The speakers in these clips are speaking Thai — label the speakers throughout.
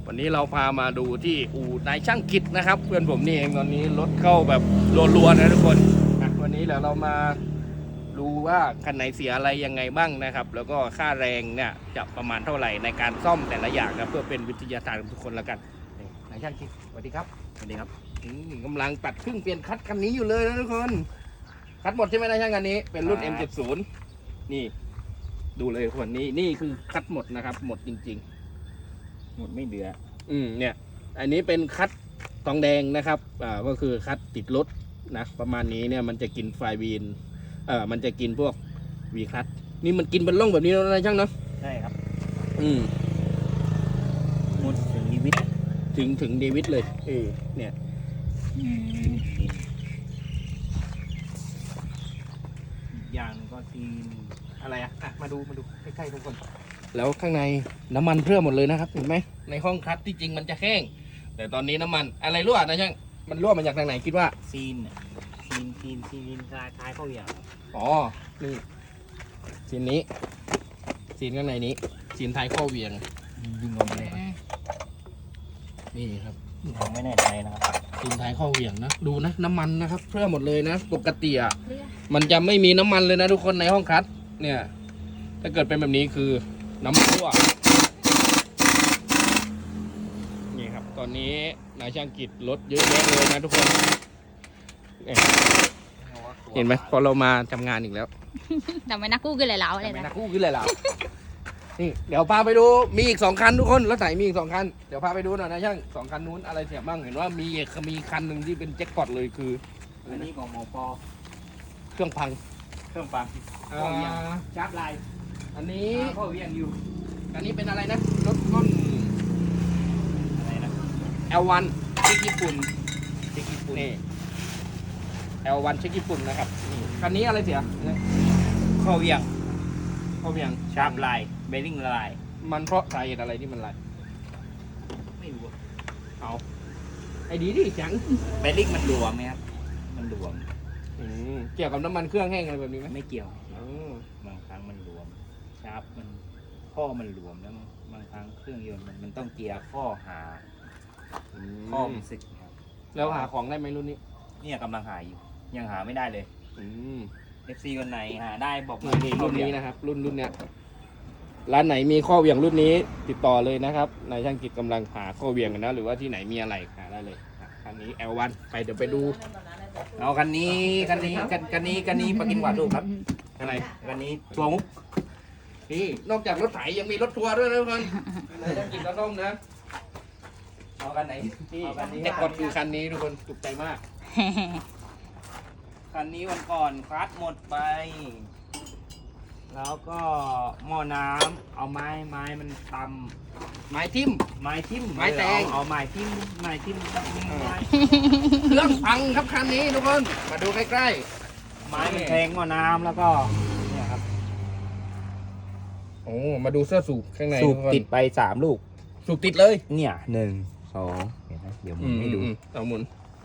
Speaker 1: วันนี้เราพามาดูที่อู่นายช่างกิจนะครับ เพื่อนผมนี่เองตอนนี้รถเข้าแบบรัวๆนะทุกคนวันนี้เดี๋ยวเรามาดูว่าคันไหนเสียอะไรยังไงบ้างนะครับ แล้วก็ค่าแรงเนี่ยจะประมาณเท่าไหร่ในการซ่อมแต่ละอย่างนะเพื่อเป็นวิทยาทานกับทุกคนแล้วกันนี่นายช่างกิจสวัสดีครับสวัสดีครับกำลังตัดครึ่งเปลี่ยนคัดคันนี้อยู่เลยนะทุกคนคัดหมดใช่ไหมนายช่างคันนี้เป็นรุ่น M70 นี่ดูเลยคนนี้นี่คือคัดหมดนะครับหมดจริงๆหมดไม่เหลือเนี่ยอันนี้เป็นคัดทองแดงนะครับก็คือคัดติดรถนะประมาณนี้เนี่ยมันจะกินไฟวีนมันจะกินพวกวีคัดนี่มันกินเป็นร่องแบบนี้แล้วนะช่างเนาะ
Speaker 2: ใช่ครับ
Speaker 1: หมดถึงเดวิดถึงเดวิดเลยเนี่ย
Speaker 2: อย่างก็ทีน
Speaker 1: อะไรมาดูใกล้ๆทุกคนแล้วข้างในน้ำมันเพิ่มหมดเลยนะครับเห็นไหมในห้องคัดที่จริงมันจะแห้งแต่ตอนนี้น้ำมันอะไรรั่วนะช่างมันรั่วมาจากทางไหนคิดว่า
Speaker 2: ซีนท้ายเข้าอย่าง
Speaker 1: อ๋อนี่ซีนนี้ซีนข้างในนี้ซีนท้ายข้อเวียง
Speaker 2: ยิงออกมาเลย
Speaker 1: นี่ครับ
Speaker 2: ผมไม่แน่ใจนะครับ
Speaker 1: ซีนท้ายข้อเวียงนะดูนะน้ำมันนะครับเพิ่มหมดเลยนะปกติมันจะไม่มีน้ำมันเลยนะทุกคนในห้องคัดเนี่ยถ้าเกิดเป็นแบบนี้คือน้ำมันรั่วนี่ครับตอนนี้นายช่างกิจรถเยอะแยะเลยนะทุกคนเห็นไหมพอเรามาทำงานอีกแล้ว
Speaker 3: ทำไมนักกู้ขึ้นเลยแล้วเลยนะ
Speaker 1: นักกู้ขึ้นเลยแล้วนี่เดี๋ยวพาไปดูมีอีก2คันทุกคนรถไถมีอีก2คันเดี๋ยวพาไปดูหน่อยนะช่าง2คันนู้นอะไรเสียบ้างเห็นว่ามีคันหนึ่งที่เป็นแจ็คพอตเลยคือ
Speaker 2: อันนี้ของหมอปอ
Speaker 1: เครื่องพัง
Speaker 2: จับลาย
Speaker 1: อันนี้
Speaker 2: ข้อเวียงอยู่
Speaker 1: อันนี้เป็นอะไรนะรถรุ่น
Speaker 2: อะไรนะ
Speaker 1: L1 เช็คญี่ปุ่นนี่ L1 เช็คญี่ปุ่นนะครับคันนี้อะไรเสีย
Speaker 2: ข้อเวียงชาร์ปลายเบลลิ่งละลาย
Speaker 1: มันเพราะสาเหตุอะไรที่มันลาย
Speaker 2: ไม่รู้
Speaker 1: เอาไอ้ดีดิจัง
Speaker 2: เบลลิ่งมันหลวมไหมครับมันหลวม
Speaker 1: เกี่ยวกับน้ำมันเครื่องแห้งอะไรแบบนี้ไหม
Speaker 2: ไม่เกี่ยวบางครั้งมันหลวมชาร์ปมันข้อมันหลวมแล้วบางครั้งเครื่องยนต์มันต้องเกียร์ข้อหาข้อมันสึกครับ
Speaker 1: แล้วหาของได้ไหมรุ่นนี้
Speaker 2: เนี่ยกำลังหาอยู่ยังหาไม่ได้เลยFC คนไหนหาได้บอกมา
Speaker 1: รุ่นนี้นะครับรุ่นเนี้ยร้านไหนมีข้อเวียงรุ่นนี้ติดต่อเลยนะครับนายช่างกิจกำลังหาข้อเวียงกันนะหรือว่าที่ไหนมีอะไรหาได้เลยคันนี้ L1 ไปเดี๋ยวไปดู
Speaker 2: เอาคันนี้ปากินหวานลูกครับ
Speaker 1: อะไร
Speaker 2: คันนี้ทัวร์มุก
Speaker 1: นี่นอกจากรถไถยังมีรถทัวร์ด้วยนะทุกคนนายช่างกิจก็ต้องนะ
Speaker 2: เอาคันไหน
Speaker 1: แต่ก่อนคือคันนี้ทุกคนถูกใจมาก
Speaker 2: คันนี้วันก่อนคลัตช์หมดไปแล้วก็หม้อน้ำเอาไม้มันตำ
Speaker 1: ไม้ทิ่ม
Speaker 2: ไม้
Speaker 1: แตง
Speaker 2: เอาไม้ทิ่ม
Speaker 1: เครื่องพังครับคันนี้ทุกคนมาดูใกล้
Speaker 2: ๆไม้มันแทงหม้อน้ำแล้วก็เนี่ยครับ
Speaker 1: โอ้มาดูเสื้อสูบข้างใน
Speaker 2: สูบติดไป3 ลูก
Speaker 1: สูบติดเลย
Speaker 2: เนี่ย1 2เห็นไหมเดี๋ยวมึงไม่ดู
Speaker 1: เอาหมุน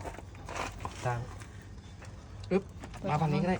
Speaker 1: ปึ๊บมาฝั่งนี้ก็ได้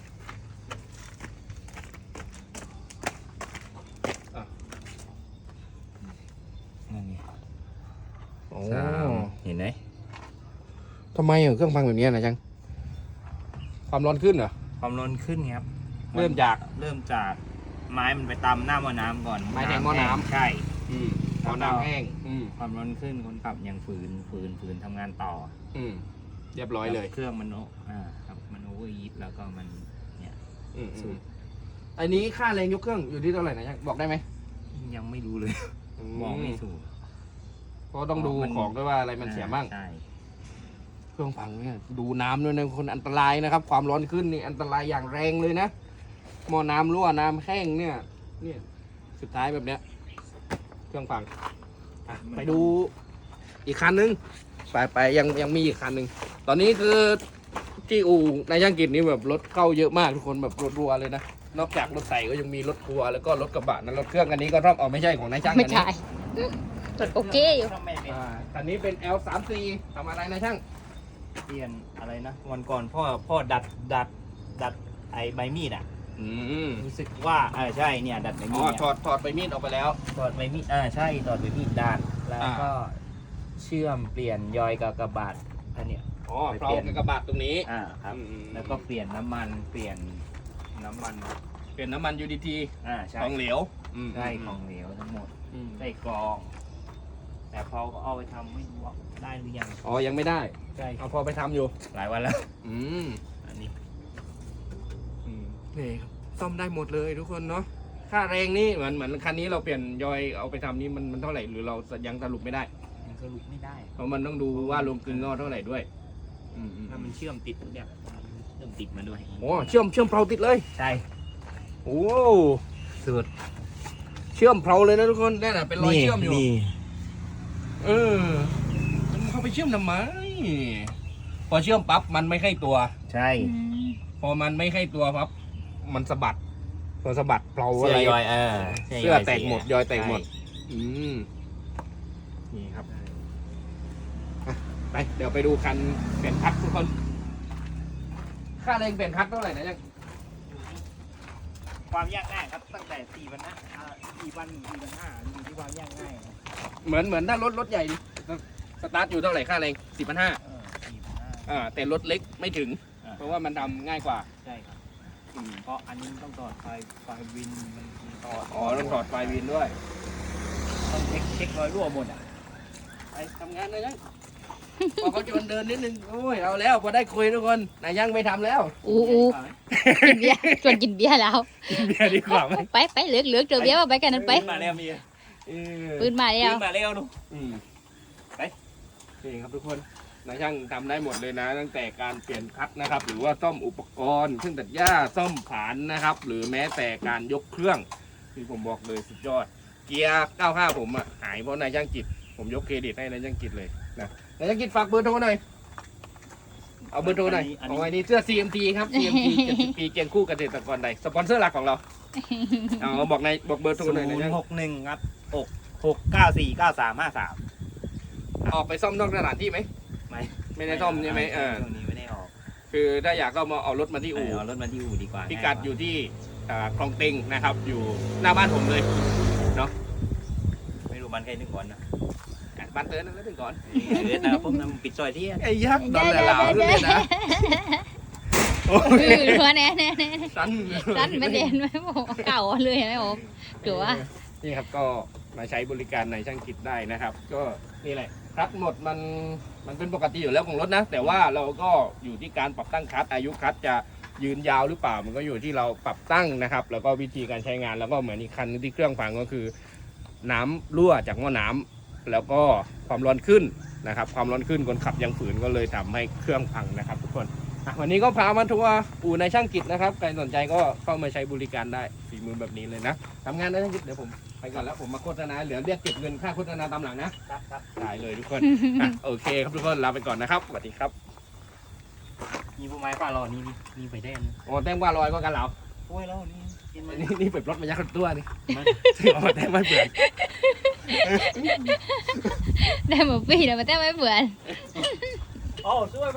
Speaker 2: เห็นไหม
Speaker 1: ทำไมเครื่องพังแบบนี้นะจังความร้อนขึ้นเหรอ
Speaker 2: ความร้อนขึ้นครับ
Speaker 1: เริ่มจาก
Speaker 2: ไม้มันไปตำหน้าหม้อน้ำก่อน
Speaker 1: ไม้แทงหม้อน้ำ
Speaker 2: ใช่
Speaker 1: หม้อน้ำแห้ง
Speaker 2: ความร้อนขึ้นคนขับยังฝืนทำงานต่อ
Speaker 1: เรียบร้อยเลย
Speaker 2: เครื่องมันครับมันโอเวอร์ฮีทแล้วก็มันเนี่ย
Speaker 1: อันนี้ค่าแรงยกเครื่องอยู่ที่เท่าไหร่นะจังบอกได้ไหม
Speaker 2: ยังไม่รู้เลยมองไม่ถูก
Speaker 1: เพราะต้องดูของด้วยว่าอะไรมันเสียบ้างเครื่องพังเนี่ยดูน้ำด้วยนะคนอันตรายนะครับความร้อนขึ้นนี่อันตรายอย่างแรงเลยนะหม้อน้ำรั่วน้ำแห้งเนี่ยสุดท้ายแบบเนี้ยเครื่องพังไปดูอีกคันนึงไปยังมีอีกคันนึงตอนนี้คือที่อู่นายช่างกิจนี่แบบรถเข้าเยอะมากทุกคนแบบรัวๆเลยนะนอกจากรถใส่ก็ยังมีรถทัวร์แล้วก็รถกระบะนั้นรถเครื่องอันนี้ก็ต้องไม่ใช่ของนายช่าง
Speaker 3: ไม่ใช่โอเคอยู่
Speaker 1: คันนี้เป็น L34 ทำอะไรนะช่าง
Speaker 2: เปลี่ยนอะไรนะวันก่อนพ่อดัดไอ้ใบมีดรู้สึกว่าใช่เนี่ยดัดใบมีด
Speaker 1: ถอดใบมีดออกไปแล้ว
Speaker 2: ถอดใบมีดใช่ถอดใบมีดด้านแล้วก็ชื่อมเปลี่ยนยอยกับกระบาดอันเนี้ย
Speaker 1: อ๋อเพลากบกระบาดตรงนี้
Speaker 2: ครับ
Speaker 1: อืม
Speaker 2: แล้วก็เปลี่ยนน้ำมันเปลี่ยนน้ำมัน
Speaker 1: เปลี่ยนน้ำมัน UDT
Speaker 2: ใช่
Speaker 1: ของเหลว
Speaker 2: ใช่ของเหลวทั้งหมด
Speaker 1: อืม
Speaker 2: ใส่กรอง แต่พอเอาไปทำไม่รู้ว่าได้หรือยัง
Speaker 1: อ๋อยังไม่ได้
Speaker 2: ใช่
Speaker 1: เอาพอไปทำอยู่
Speaker 2: หลายวันแล้ว
Speaker 1: อืม
Speaker 2: อันนี้
Speaker 1: นี่ครับซ่อมได้หมดเลยทุกคนเนาะค่าแรงนี่เหมือนคันนี้เราเปลี่ยนยอยเอาไปทำนี่มันเท่าไหร่หรือเรายังสรุปไม่ได้
Speaker 2: ยังสรุปไม่ได้
Speaker 1: เพราะมันต้องดูว่าลงกลึงงอเท่าไหร่ด้วยอืม
Speaker 2: ถ้ามันเชื่อมติดเนี่ยเชื่อมติดมาด้วย
Speaker 1: โอ้เชื่อมเพลาติดเลย
Speaker 2: ใช่
Speaker 1: โอ้
Speaker 2: สุด
Speaker 1: เชื่อมเพลาเลยนะทุกคนนั่นน่ะเป็นรอยเชื่อมอยู่
Speaker 2: นี่
Speaker 1: เออมันเข้าไปเชื่อมทำไมพอเชื่อมปั๊บมันไม่เข้าตัว
Speaker 2: ใช่
Speaker 1: พอมันไม่เข้าตัวปั๊บมันสะบัดพอสะบัดเพลา
Speaker 2: เสื้
Speaker 1: อะไร
Speaker 2: อยอย
Speaker 1: เสื้อแตกหมดยอยแตกหมด อืมนี่ครับไปเดี๋ยวไปดูคันเปลี่ยนคัททุกคน ค่าแรงเปลี่ยนคัทเท่าไหร่นะยัง
Speaker 2: ความยากง่ายครับตั้งแต่4 วันนะ4 วัน4 วัน 5อยู่ที่ความยากง่ายนะ
Speaker 1: เหมือนถ้ารถใหญ่ดิสตาร์ทอยู่เท่าไหร่ค่าแรง4,500
Speaker 2: 4 วัน 5
Speaker 1: แต่รถเล็กไม่ถึง เพราะว่ามันทำง่ายกว่า
Speaker 2: ใช่ครับเพราะอันนี้ต้องถอดไฟวินมันถอด
Speaker 1: อ๋อต้องถอดไฟวินด้วย
Speaker 2: ต้องเช็ครอยรั่วหมดอ่ะ
Speaker 1: ไปทำงานเลยยังพอเขาชวนเดินนิดนึง โอ้ย เอาแล้วพอได้คุยทุกคนนายยังไม่ทำแล้ว
Speaker 3: อู้กินเบียร์ชวนกินเบียร์แล้ว
Speaker 1: กินเบียร์ดีกว่าไหม
Speaker 3: ไปเหลือกเจอเบียร์มาไปกันนั้นไป
Speaker 2: มาแล้วมี
Speaker 3: ปืนมาแล้ว
Speaker 2: มาแล้วดู
Speaker 1: อืมไปนี่ครับทุกคนนายช่างทำได้หมดเลยนะ ตั้งแต่การเปลี่ยนคัทนะครับ หรือว่าซ่อมอุปกรณ์เครื่องตัดหญ้าซ่อมผานนะครับ หรือแม้แต่การยกเครื่องที่ผมบอกเลยสุดยอด เกียร์95ผมอ่ะหายเพราะนายช่างกิจผมยกเครดิตให้นายช่างกิจเลยนะนายช่างกิจฝากเบอร์โทรหน่อยเอาเบอร์โทรหน่อยเอาไว้นี่เสื้อ CMT ครับ CMT 70 ปีเกียงคู่เกษตรกรใดสปอนเซอร์หลักของเราเอาบอกเบอร์โทรหน่อยนายช่าง
Speaker 2: 061ครับ6949353
Speaker 1: ออกไปซ่อมนอกสถานที่ไหม ไม่ได้ซ่อมใช่ไหม
Speaker 2: ช่วงนี้ไม่ได้ออก
Speaker 1: คือถ้าอยากก็มาเอารถมาที่อู่
Speaker 2: เอารถมาที่อู่ดีกว่า
Speaker 1: พิกัดอยู่ที่คลองเต็งนะครับ อยู่หน้าบ้านผมเลยเนาะ
Speaker 2: ไม่รู้มันใครนึกก่อนนะ
Speaker 1: บ้านเตือนนั่นแล้วถึงก่อน
Speaker 2: เดี๋ยวนะผมนำปิดซอยที่
Speaker 1: ไอ้ยักษ์นอนหลาวๆด้วยนะโอ้ย
Speaker 3: หัวแน่
Speaker 1: สั้น
Speaker 3: สั้นไม่เด่นไม่บอกเก่าเลยนะผมถือว่า
Speaker 1: นี่ครับก็มาใช้บริการในช่างกิจได้นะครับ ก็นี่แหละคลัตช์หมดมันเป็นปกติอยู่แล้วของรถนะ แต่ว่าเราก็อยู่ที่การปรับตั้งคลัตช์อายุคลัตช์จะยืนยาวหรือเปล่ามันก็อยู่ที่เราปรับตั้งนะครับ แล้วก็วิธีการใช้งานแล้วก็เหมือนอีกคันนึงที่เครื่องพังก็คือ น้ำรั่วจากหม้อน้ำแล้วก็ความร้อนขึ้นนะครับ ความร้อนขึ้นคนขับยังฝืนก็เลยทำให้เครื่องพังนะครับ ทุกคนวันนี้ก็พามาทัวร์อู่ในช่างกิจนะครับใครสนใจก็เข้ามาใช้บริการได้ฝีมือแบบนี้เลยนะทำงานในช่างกิจเดี๋ยวผมไปก่อนแล้วผมมาโฆษณาเหลือเรียกเก็บเงินค่าโฆษณาตามหลังนะได้เลยทุกคนโอเคครับทุกคนลาไปก่อนนะครับสวัสดีครับ
Speaker 2: มีผู้ไม้ป้ารอนี่มีไปแดน
Speaker 1: โอ้แต้มว่าลอยก็กันเหลา
Speaker 2: โอ้ยแล้วนี่กินมัน
Speaker 1: นี่เปิดรถมายักษ์ตัวนี่ซื้อมาแต้มไม่เปลี่ยน
Speaker 3: ได้หมดปีแต่มาแต่ไม่เหมือน
Speaker 2: โอ้ช่วย